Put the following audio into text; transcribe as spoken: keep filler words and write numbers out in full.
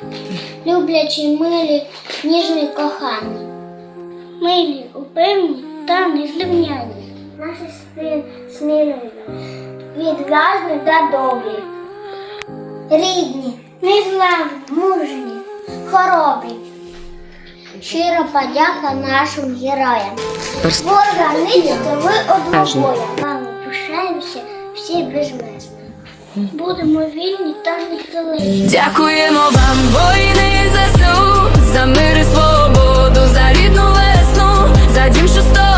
люблячі, милі, ніжні, кохані. Милі, упевні та незрівняні. Наші сини сміливі, відважні та добрі. Рідні, незламні, мужні, хоробрі. Щира подяка нашим героям. Ворога нищите ви однобоя. Вами пишаємося всі безмежно. Будемо вільні та незалежні. Дякуємо вам, воїни ЗСУ, за мир і свободу, за рідну весну, за дім, що сто